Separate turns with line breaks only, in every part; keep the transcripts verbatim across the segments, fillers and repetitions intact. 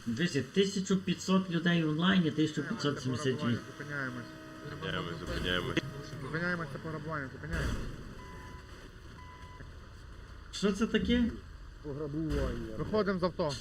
Дивіться, тисяча п'ятсот людей в онлайні, тисяча п'ятсот сімдесят вісім.
Зупиняємось.
Зупиняємось, зупиняємось.
Зупиняємось, це пограбування, зупиняємось.
Що це таке?
Пограбування.
Виходимо з авто.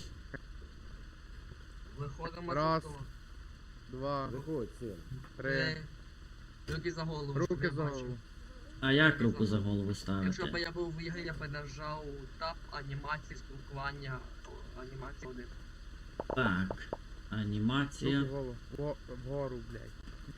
Виходимо
Раз.
з авто.
Два,
Виходь, син.
три.
Е, Руки за голову. щоб
Руки
я
за
бачив.
голову.
А як руку за голову
Якщо б
ставити?
я був в ігрі, я б нажав тап, анімації, спілкування, о, анімація один.
Так. Анімація.
Руки в голову. Во- Вгору, блядь.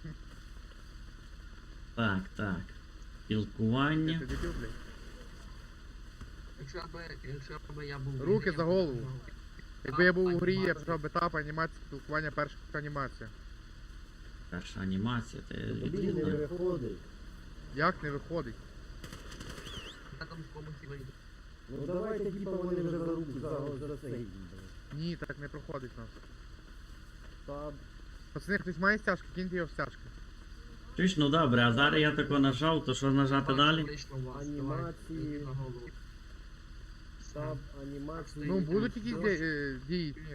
Так, так. Спілкування.
Ти дебіл, блядь?
Якщо б, якщо б я був в
Руки
ігрі,
за
я б
голову.
нажав
Якби я був у грі, я б
анімацію.
пішов би етап, анімація, спілкування, перша анімація.
Перша анімація, це
Тобі не
відповідно.
виходить.
Як не виходить?
Я там в комусь вийду.
Ну давайте, типа, вони вже за руку, за, за цей.
Ні, так не проходить у нас.
Та,
Пацани, хтось має стяжки, киньте його в стяжки.
Чуєш, ну добре, а зараз я тако нажав, то що нажати далі?
Вийшло у вас,
Анімації.
давай, руки за голову.
таб, анімації.
Ну,
Ти
будуть
там
якісь
дощ?
ді- е, дії, ні.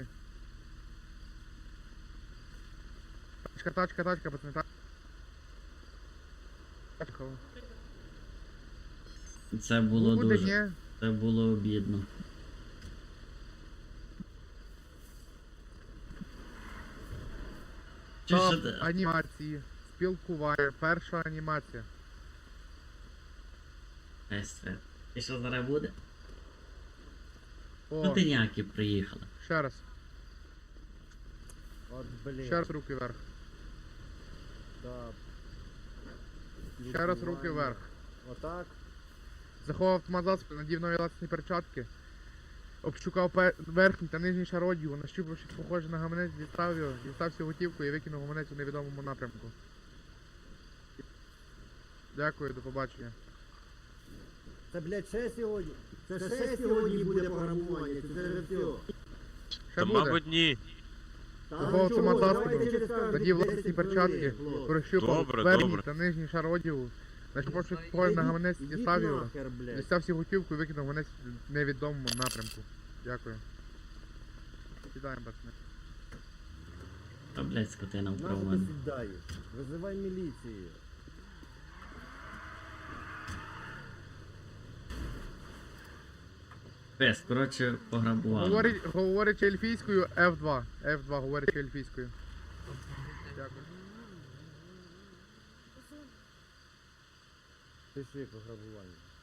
Тачка, тачка, тачка, пацани, тачка. Тачка.
Це було
Буде,
дуже.
ні.
Це було обідно. Чуєш,
Топ
що ти-
анімації, спілкування, перша анімація.
Естер. І що зараз буде?
О,
Ну ти ніякі приїхали.
ще раз,
От, блін.
ще раз руки вверх.
Таб.
Ще раз руки вверх.
Отак.
Заховав автомат за спину, надів нові латексні перчатки. Обшукав пе- верхній та нижній шар одягу, нащупав щось похоже на гаманець, дістав його, дістав всю готівку і викинув гаманець у невідомому напрямку. Дякую, до побачення.
Це, блядь, ще сьогодні. Це ще сьогодні буде пограбування. Це вже все.
Ще
Та,
буде.
мабуть, ні.
Заховав автомат за спину, надів латексні перчатки, прощупав
Добре,
верхній
добре.
та нижній шар одягу, нащупав щось похоже на гаманець, дістав його, дістав всю готівку і викинув гаманець в невідомому напрямку. Дякую. Сідаємо, пацани.
Та, блядь, скотина вправо
Нащо
мене.
ти сідаєш? Визивай міліцію.
Пес, коротше, пограбували.
Говорить, говорить ельфійською еф два. еф два говорить ельфійською. Дякую.
Пиши пограбування.